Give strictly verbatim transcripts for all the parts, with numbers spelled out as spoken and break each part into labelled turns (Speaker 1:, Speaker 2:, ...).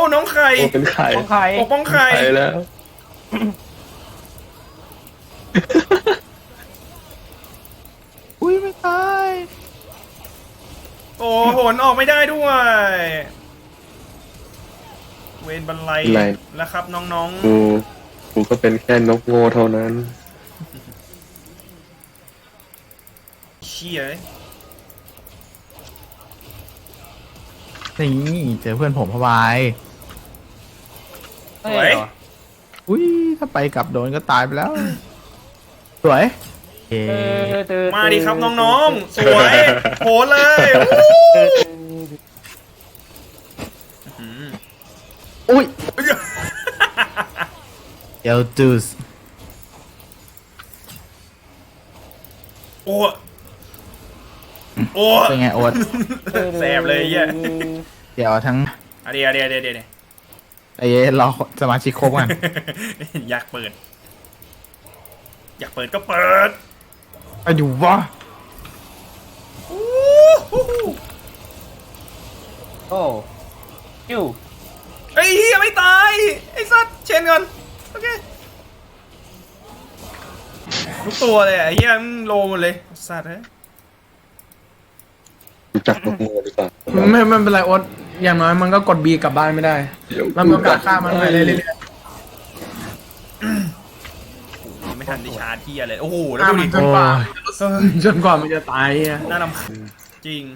Speaker 1: น้องไข่
Speaker 2: โอ้เป็นไข่
Speaker 3: ของใคร
Speaker 1: ปกป้องไข่
Speaker 2: ไข่แล้ว
Speaker 4: อุ้ยไม่ตาย
Speaker 1: โอ้โหนออกไม่ได้ด้วย เวนบันไลแล้วครับน้อง
Speaker 2: กูกูก็เป็นแค่นกโง่เท่านั้น
Speaker 1: ๆเชี่ย
Speaker 4: นี่เจอเพื่อนผมพะวาย
Speaker 1: สวย
Speaker 4: อุ้ยถ้าไปกลับโดนก็ตายไปแล้ว สวยเย้
Speaker 1: มาดิครับน้องๆ สวยโหเลย
Speaker 4: อุ้ยเอลตูส
Speaker 1: โอ้โอ้
Speaker 4: เป็นไงโอ๊ต
Speaker 1: แสบเลยเหี้ย
Speaker 4: เดี๋ยวทั้ง
Speaker 1: อะเดี๋ยวเดี๋ยวเดี๋ยวเดี๋ยว
Speaker 4: ไอ้เย้รอสมาชิกครบกัน
Speaker 1: อยากเปิด อยากเปิดก็เปิด
Speaker 4: ไปดูวะ
Speaker 3: โอ้คิว
Speaker 1: ไอ้เหี้ยไม่ตายไอ้สัตว์เชนก่อนโอเคทุกตัวเลยไอ้เหี้ยมันโลหมดเลยสัตว์เฮ้ย
Speaker 2: รู้จักนกโง่หรือเปล่า
Speaker 5: ไม่ไม่เป็นไรโอ๊ตอย่างน้อยมันก็กดบีกลับบ้านไม่ได้
Speaker 2: เดี๋ยว
Speaker 5: มันมีโอกาสฆ่ามันไปเรื่อย
Speaker 1: ยังไม่ทันได้ชาร์จเหี้ยเลยโอ้โห
Speaker 5: ๆ
Speaker 1: แล้ว
Speaker 5: ฆ่า
Speaker 1: ดู
Speaker 5: มั
Speaker 1: ดิ
Speaker 5: นจนกว่าจนกว่ามันจะตายอ่ะ
Speaker 1: น่ารำคาญจริง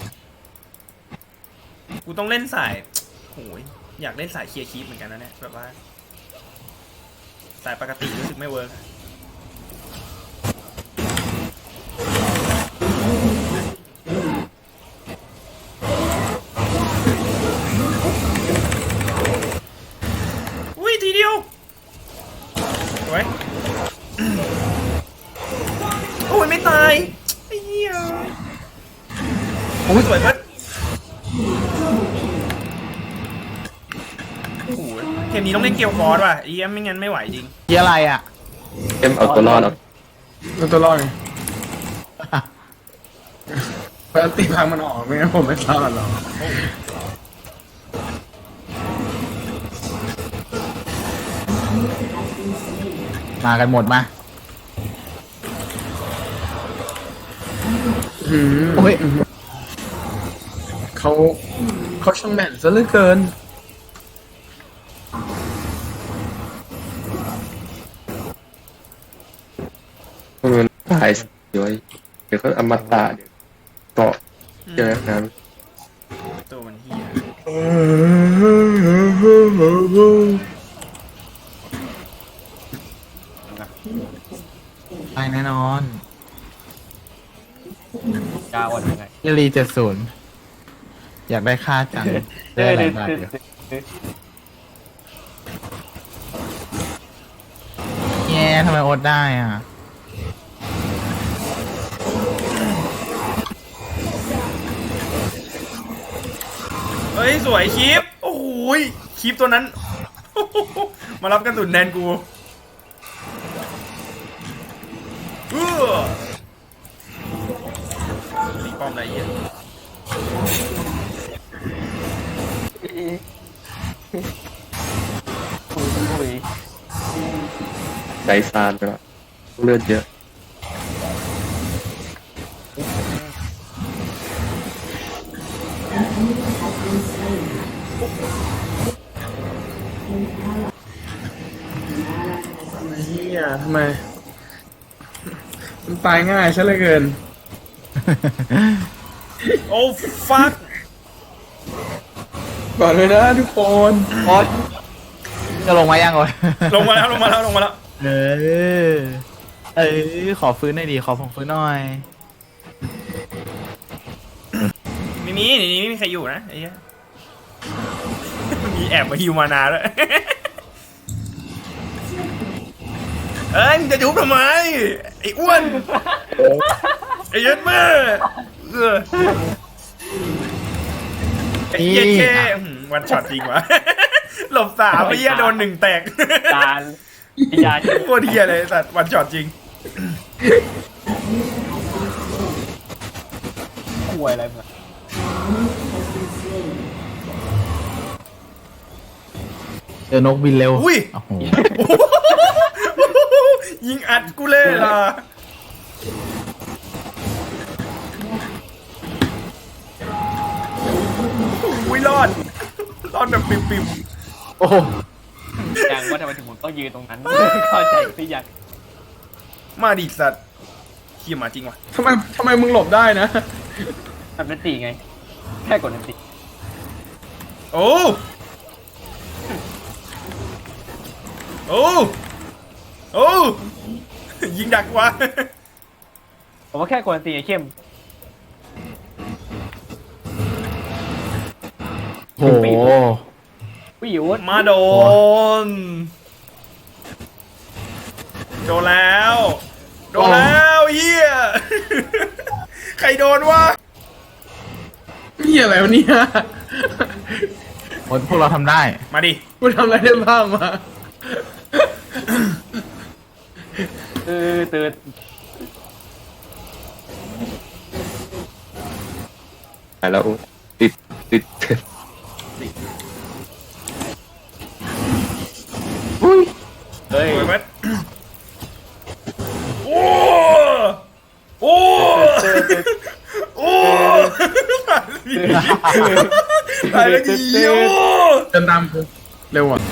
Speaker 1: กูต้องเล่นสายโอ้ยอยากเล่นสายเคลียร์คีปเหมือนกันนะเนี่ยแบบว่าสายปกติรู้สึกไม่เวิร์กอุ้ยทีเดียวสวยโอ้ยไม่ตายไอ้เหี้ยโอ้ยสวยเพิ่นโอ้โหเกมนี้ต้องเล่นเกียวฟอร์ดว่ะไอ้เหี้ยไม่งั้นไม่ไหวจริง
Speaker 4: เยี่ยอะไรอ่ะ
Speaker 2: เอ็มเอาตัวรอดเอา
Speaker 5: แล้วตัวรอดไงปกติพังมันออกไม่งั้นผมไม่รอดหรอก
Speaker 4: มากันหมดมา
Speaker 5: อืม
Speaker 4: โอ้ย
Speaker 5: เขาเขาช่างแม่นซะเหลือเกิน
Speaker 2: มันตายเดี๋ยวเดี๋ยวก็อมตะเกาะเจอนั้น
Speaker 1: ตัวมันเหี้ย
Speaker 4: ตายแน่นอน
Speaker 3: กาวันยังไง
Speaker 4: เยลีเจ็ดศูนย์อยากได้ค่าจังได้อะไรบ้างเดี๋ยวแย่ทำไมโอ๊ตได้อ่ะ
Speaker 1: เฮ้ยสวยคลิปโอ้โหยคลิปตัวนั้น มารับกันตุนแทนกูเออตีป้อมอะไรเงี้ย
Speaker 3: คุยคุย
Speaker 2: ไดซานไปแล้วเลือดเยอะ
Speaker 5: เฮียทำไม มันตายง่ายซะเหลือเกิน
Speaker 1: โอ้ฟัก
Speaker 5: ก่อนเลยนะทุกคน
Speaker 4: โอ๊ตจะลงมายังโอ๊ต
Speaker 1: ลงมาแล้วลงมาแล้วลงมาแล้ว
Speaker 4: เออเออขอฟื้นหน่อยดีขอผมฟื้นหน่อย
Speaker 1: ไม่มีในนี้ไม่มีใครอยู่นะไอ้เหี้ย มีแอบมาฮิวมานาด้วย เอ้ยมึงจะยุบทำไมไอ้อ้วนไอ้ยัดแม่เออไอ้เหี้ยแค่วันช็อตจริงวะ หลบสามไอ้เหี้ยโดนหนึ่งแตก
Speaker 3: จานยา
Speaker 1: โคตรเหี้ยเลยสัตว์วันช็อตจริง
Speaker 3: คุยอะไรมา
Speaker 4: เจอนกบินเร็ว
Speaker 1: อุ้ย
Speaker 4: โอ้โห
Speaker 1: ยิงอัดกูเลยล่ะอุ้ยรอดรอดแบบปิ่ม
Speaker 4: โอ้โห
Speaker 3: ยังว่าทำไมถึงผมต้องยืนตรงนั้น เข้าใจหรือยัง
Speaker 1: ๆมาดิสัตว์เขี้ยหมาจริงว่ะ
Speaker 5: ทำไมทำไมมึงหลบได้นะ
Speaker 3: ทำนันตีไง แค่กดนันตี
Speaker 1: โอ้โอ้โอ้ยิงดักว่ะ
Speaker 3: ผมว่าแค่กดนันตีไอ้เข้ม
Speaker 4: โอ้โห
Speaker 3: วิว
Speaker 1: มาโดนโดนแล้วโดนแล้วเฮียใครโดนวะ
Speaker 5: นี่อะไรวะเนี่ย
Speaker 4: พวกเราทำได้
Speaker 1: มาดิ
Speaker 5: กูทำอะไรได้บ้างมา
Speaker 3: ตื่นตื่น
Speaker 2: หายแล้วติดติด
Speaker 3: เฮ้ย
Speaker 1: โอ้ยมันโอ้โอ้โอ้ตายแล้วกี่โอ้
Speaker 5: เดินตามกูเร็วอ่ะ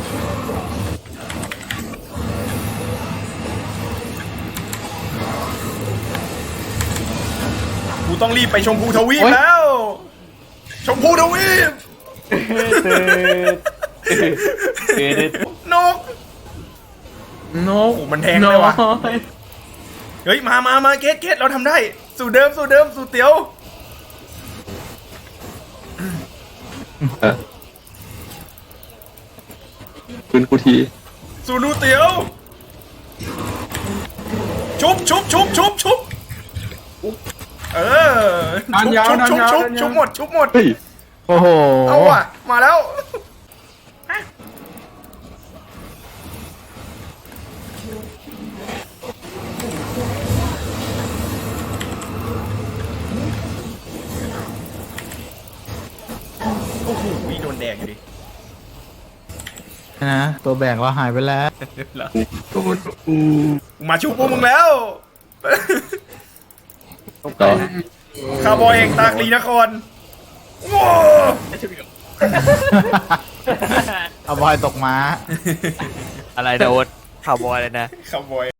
Speaker 1: กูต้องรีบไปชมพูทวีปแล้ว ชมพูทวีป
Speaker 3: ตื่นตื่น
Speaker 1: นก
Speaker 5: นก
Speaker 1: โอ้มันแทงเลยว่ะ
Speaker 5: น้อย
Speaker 1: เฮ้ย มามามาเกตเกตเราทำได้ สู่เดิม สู่เดิม สู่เตียว
Speaker 2: คืนกูที
Speaker 1: สู่ดูเตียว ชุบชุบชุบชุบชุบเออ
Speaker 5: ดันยาว
Speaker 1: ชุบ
Speaker 5: ดัน
Speaker 1: ชุบ
Speaker 5: ยาว
Speaker 1: ชุบ
Speaker 5: ดันยาว
Speaker 1: ชุบหมด ชุบหมด
Speaker 2: เฮ้ย
Speaker 4: โอ้โห
Speaker 1: เอาว่ะ มาแล้ว โอ้โหโดนแดงอยู่ดิ
Speaker 4: นะตัวแบกเราหายไปแล้ว
Speaker 2: โดนอู
Speaker 1: มาชุบพวกมึงแล้ว
Speaker 2: ต่อ
Speaker 1: คาร์บอยแห่งตากลีนครว้าว
Speaker 4: เอาบอยตกม้า
Speaker 6: อะไรนะโอ๊ตข่าวบอยเลยนะ
Speaker 1: คาร์บอย